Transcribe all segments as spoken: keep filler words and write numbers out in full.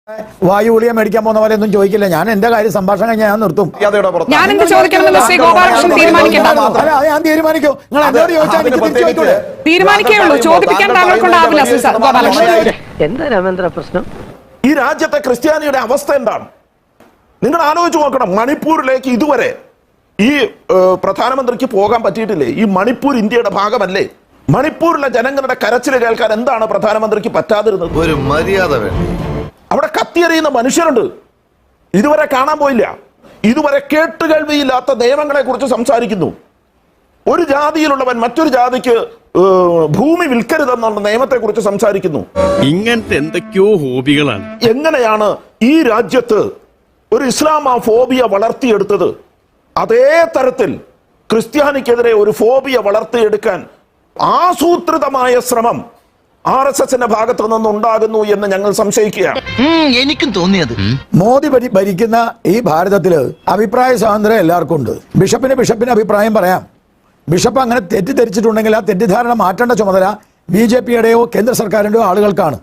വായു ഗുളിക മേടിക്കാൻ പോകുന്ന പോലെ ഒന്നും ചോദിക്കില്ല. ഞാൻ എന്റെ കാര്യം സംഭാഷണം കഴിഞ്ഞാൽ ഞാൻ നിർത്തും. ഞാൻ എന്ത് ചോദിക്കണമെന്ന് ശ്രീ ഗോപാലകൃഷ്ണൻ തീരുമാനിക്കണ്ട. ഞാൻ തീരുമാനിക്കൂ. നിങ്ങൾ എന്നോട് ചോദിച്ചാൽ തീരുമാനിക്കേയുള്ളൂ. ചോദിപ്പിക്കാൻ താങ്കൾ കൊണ്ടാവില്ല ശ്രീ ഗോപാലകൃഷ്ണൻ. എന്താ രാമേന്ദ്ര പ്രശ്നം? ഈ രാജ്യത്തെ ക്രിസ്ത്യാനിയുടെ അവസ്ഥ എന്താണ് നിങ്ങൾ ആലോചിച്ച് നോക്കണം. മണിപ്പൂരിലേക്ക് ഇതുവരെ ഈ പ്രധാനമന്ത്രിക്ക് പോകാൻ പറ്റിയിട്ടില്ലേ? ഈ മണിപ്പൂർ ഇന്ത്യയുടെ ഭാഗമല്ലേ? മണിപ്പൂരിലെ ജനങ്ങളുടെ കരച്ചിൽ കേൾക്കാൻ എന്താണ് പ്രധാനമന്ത്രിക്ക് പറ്റാതിരുന്നത്? ഒരു മര്യാദ വേണം. അവിടെ കത്തിയെറിയുന്ന മനുഷ്യരുണ്ട്, ഇതുവരെ കാണാൻ പോയില്ല. ഇതുവരെ കേട്ടുകേൾവിയില്ലാത്ത നിയമങ്ങളെ കുറിച്ച് സംസാരിക്കുന്നു. ഒരു ജാതിയിലുള്ളവൻ മറ്റൊരു ജാതിക്ക് ഭൂമി വിൽക്കരുതെന്നുള്ള നിയമത്തെ കുറിച്ച് സംസാരിക്കുന്നു. ഇങ്ങനത്തെ എന്തൊക്കെയോ ഹോബികളാണ്. എങ്ങനെയാണ് ഈ രാജ്യത്ത് ഒരു ഇസ്ലാമ ഫോബിയ വളർത്തിയെടുത്തത്? അതേ തരത്തിൽ ക്രിസ്ത്യാനിക്കെതിരെ ഒരു ഫോബിയ വളർത്തിയെടുക്കാൻ ആസൂത്രിതമായ ശ്രമം ആർ എസ് എസിന്റെ ഭാഗത്തു നിന്നുണ്ടാകുന്നു എന്ന് ഞങ്ങൾ സംശയിക്കുകയാണ്. എനിക്കും തോന്നിയത് മോദി ഭരിക്കുന്ന ഈ ഭാരതത്തില് അഭിപ്രായ സ്വാതന്ത്ര്യം എല്ലാവർക്കും ഉണ്ട്. ബിഷപ്പിന് ബിഷപ്പിന് അഭിപ്രായം പറയാം. ബിഷപ്പ് അങ്ങനെ തെറ്റിദ്ധരിച്ചിട്ടുണ്ടെങ്കിൽ ആ തെറ്റിദ്ധാരണ മാറ്റേണ്ട ചുമതല ബി ജെ പിയുടെയോ കേന്ദ്ര സർക്കാരിന്റെയോ ആളുകൾക്കാണ്.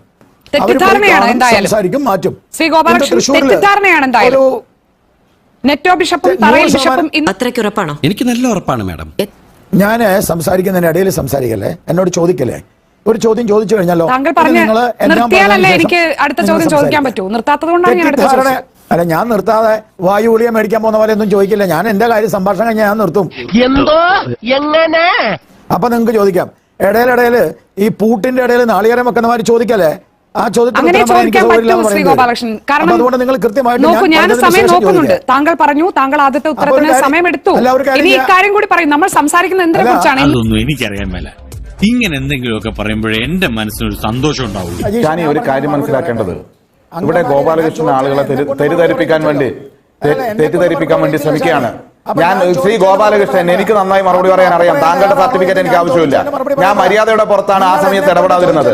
സംസാരിക്കും, മാറ്റും. ശ്രീ ഗോപാലകൃഷ്ണൻ തെറ്റിദ്ധാരണയാണ് എന്തായാലും. നെറ്റോ ബിഷപ്പും തറയിൽ ബിഷപ്പും അത്രയ്ക്ക് ഉറപ്പാണോ? എനിക്ക് നല്ല ഉറപ്പാണ് മാഡം. ഞാൻ സംസാരിക്കുന്നതിന് ഇടയിൽ സംസാരിക്കല്ലേ, എന്നോട് ചോദിക്കല്ലേ. ഒരു ചോദ്യം ചോദിച്ചു കഴിഞ്ഞാലോ? താങ്കൾ പറഞ്ഞ നിർത്തിയാലല്ലേ എനിക്ക് അടുത്ത ചോദ്യം ചോദിക്കാൻ പറ്റൂ. നിർത്താത്തത് കൊണ്ടാണ് ഞാൻ അടുത്ത ചോദ്യം. അല്ല, ഞാൻ നിർത്താതെ വായു ഗുളിക മേടിക്കാൻ പോകുന്ന പോലെ ഒന്നും ചോദിക്കില്ല. ഞാൻ എന്റെ കാര്യം സംഭാഷണം കഴിഞ്ഞാൽ ഞാൻ നിർത്തും. എന്തോ എങ്ങനെ അപ്പൊ നിങ്ങൾക്ക് ചോദിക്കാം. ഇടയിലിടയിൽ ഈ പൂട്ടിന്റെ ഇടയിൽ നാളികേരം വെക്കുന്നമാര് ചോദിക്കല്ലേ? ആ അങ്ങനെ ചോദിക്കാൻ പറ്റും ശ്രീ ഗോപാലകൃഷ്ണൻ. കാരണം അതുകൊണ്ട് നിങ്ങൾ കൃത്യമായിട്ട് നോക്കൂ, ഞാൻ സമയം നോക്കുന്നുണ്ട്. താങ്കൾ പറഞ്ഞു, താങ്കൾ ആദ്യത്തെ ഉത്തരത്തിന് സമയമെടുത്തു. ഇനി ഈ കാര്യം കൂടി പറയും. നമ്മൾ സംസാരിക്കുന്നത് എന്തിനെ കുറിച്ചാണ്? അതൊന്നും എനിക്കറിയാൻ മേല. ഇങ്ങനെ എന്തെങ്കിലുമൊക്കെ പറയുമ്പോഴേ എന്റെ മനസ്സിനൊരു സന്തോഷം ഉണ്ടാവുള്ളൂ. ഞാൻ ഈ ഒരു കാര്യം മനസ്സിലാക്കേണ്ടത്, ഇവിടെ ഗോപാലകൃഷ്ണൻ ആളുകളെ തെറ്റിദ്ധരിപ്പിക്കാൻ വേണ്ടി തെറ്റിദ്ധരിപ്പിക്കാൻ വേണ്ടി ശ്രമിക്കുകയാണ്. ഞാൻ ശ്രീ ഗോപാലകൃഷ്ണൻ, എനിക്ക് നന്നായി മറുപടി പറയാൻ അറിയാം. താങ്കളുടെ സർട്ടിഫിക്കറ്റ് എനിക്ക് ആവശ്യമില്ല. ഞാൻ മര്യാദയുടെ പുറത്താണ് ആ സമയത്ത് ഇടപെടാതിരുന്നത്.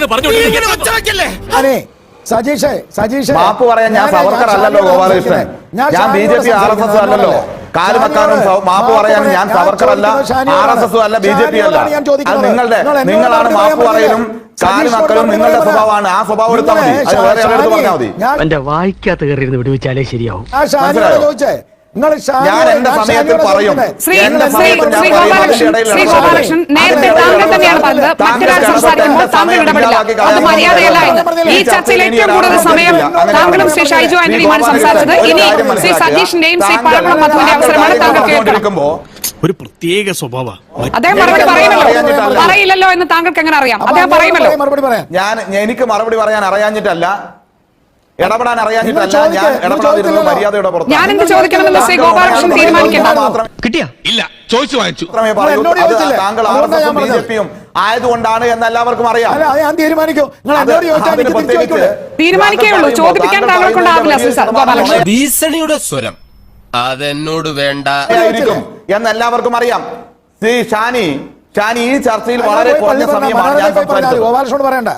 മാപ്പ് പറയാൻ ഞാൻ സവർക്കർ അല്ലല്ലോ ഗോപാലകൃഷ്ണൻ. ഞാൻ B J P R S S അല്ലല്ലോ. കാല് വെക്കാനും മാപ്പ് പറയാനും ഞാൻ സവർക്കർ അല്ല, ആർ എസ് എസ് അല്ല, ബി ജെ പി അല്ല. അത് നിങ്ങളുടെ നിങ്ങളാണ് മാപ്പ് പറയലും കാല് വെക്കലും നിങ്ങളുടെ സ്വഭാവമാണ്. ആ സ്വഭാവം എടുത്താൽ മതി. അത് വേറെ ആളെടുത്ത് പറഞ്ഞാൽ മതി. എന്റെ വായിക്കാത്ത കയറി വിടുവിച്ചാലേ ശരിയാവും. ഞാൻ എന്റെ സമയത്തിൽ പറയും. ശ്രീഗോപാലകൃഷ്ണൻ, നേരത്തെ താങ്കൾ തന്നെയാണ് പറഞ്ഞത് മറ്റൊരാൾ സംസാരിക്കുമ്പോൾ താങ്കൾ ഇടപെടില്ല, അത് മര്യാദയല്ല എന്ന്. ഈ ചർച്ചയിൽ ഏറ്റവും കൂടുതൽ സമയം താങ്കളും ശ്രീ ഷൈജു ആന്റണിയുമാണ് സംസാരിച്ചത്. ഇനി ശ്രീ സതീഷിന്റെയും ശ്രീ പഴകുളം മധുവിന്റെ അവസരമാണ്. താങ്കൾ കേൾക്കണം. ഒരു പ്രത്യേക സ്വഭാവ അദ്ദേഹം മറുപടി പറയുമല്ലോ. പറയില്ലല്ലോ എന്ന് താങ്കൾക്ക് എങ്ങനെ അറിയാം? അദ്ദേഹം പറയുമല്ലോ. ഞാൻ എനിക്ക് മറുപടി പറയാൻ അറിയാഞ്ഞിട്ടല്ല, ഇടപെടാൻ അറിയാഞ്ഞിട്ടല്ല. ഞാൻ ഇടപെടാതിരുന്നത് മര്യാദയുടെ പുറത്ത്. ഞാൻ എന്ത് ചോദിക്കണമെന്ന് ശ്രീ ഗോപാലകൃഷ്ണൻ തീരുമാനിക്കേണ്ട. കിട്ടിയ ഇല്ല ചോദിച്ചു വാങ്ങിച്ചു. താങ്കൾ ആർ എസ് എസും ബി ജെ പിയും ആയതുകൊണ്ടാണ് എന്ന് എല്ലാവർക്കും അറിയാം. തീരുമാനിക്കേയുള്ളൂ. ചോദിപ്പിക്കാൻ താങ്കൾ കൊണ്ടാവില്ല ശ്രീ ഗോപാലകൃഷ്ണൻ. ഭീഷണിയുടെ സ്വരം അതെന്നോട് വേണ്ട എന്ന് എല്ലാവർക്കും അറിയാം. ശ്രീ ഷാനി ഷാനി ഈ ചർച്ചയിൽ വളരെ കുറഞ്ഞ സമയമാണ് ഞാൻ സംസാരിച്ചത്. ഗോപാലകൃഷ്ണൻ പറയണ്ട.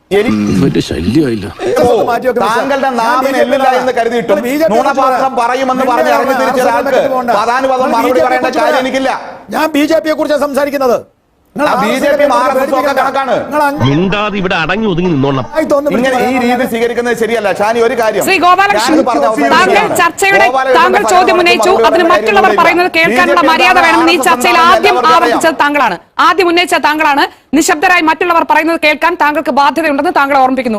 താങ്കളുടെ നാവിന് എല്ലില്ല എന്ന് കരുതിയിട്ടും നുണപാത്രം പറയുമെന്ന് പറഞ്ഞ് ഇറങ്ങി തിരിച്ച ആൾക്ക് പതാനുപദം മറുപടി പറയേണ്ട കാര്യം എനിക്കില്ല. ഞാൻ ബി ജെ പിയെ കുറിച്ചാണ് സംസാരിക്കുന്നത്. B J P R S S ഒക്കെ കണക്കാണ്. ഇവിടെ അടങ്ങി ഒതുങ്ങി നിന്നോണം. ഇങ്ങനെ ഈ രീതി സ്വീകരിക്കുന്നത് ശരിയല്ല. ഷാനി, ഒരു കാര്യം ശ്രീ ഗോപാലകൃഷ്ണൻ, താങ്കൾ ചർച്ചയുടെ താങ്കൾ ചോദ്യം ഉന്നയിച്ചു. അതിന് മറ്റുള്ളവർ പറയുന്നത് കേൾക്കാനുള്ള മര്യാദ വേണമെന്ന് ഈ ചർച്ചയിൽ ആദ്യം ആവർത്തിച്ചത് താങ്കളാണ്. ആദ്യം ഉന്നയിച്ച താങ്കളാണ്. നിശബ്ദരായി മറ്റുള്ളവർ പറയുന്നത് കേൾക്കാൻ താങ്കൾക്ക് ബാധ്യതയുണ്ടെന്ന് താങ്കൾ ഓർമ്മിപ്പിക്കുന്നു.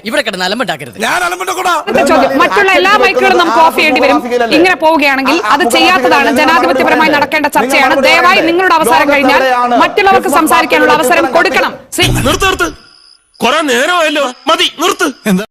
ചോദ്യം, മറ്റുള്ള എല്ലാ മൈക്കുകളും നമുക്ക് ഓഫ് ചെയ്യേണ്ടി വരും. ഇങ്ങനെ പോവുകയാണെങ്കിൽ അത് ചെയ്യാത്തതാണ് ജനാധിപത്യപരമായി നടക്കേണ്ട ചർച്ചയാണ്. ദയവായി നിങ്ങളുടെ അവസരം കഴിഞ്ഞാൽ മറ്റുള്ളവർക്ക് സംസാരിക്കാനുള്ള അവസരം കൊടുക്കണം. നിർത്ത് നിർത്ത്, കുറെ നേരമായല്ലോ, മതി നിർത്ത്.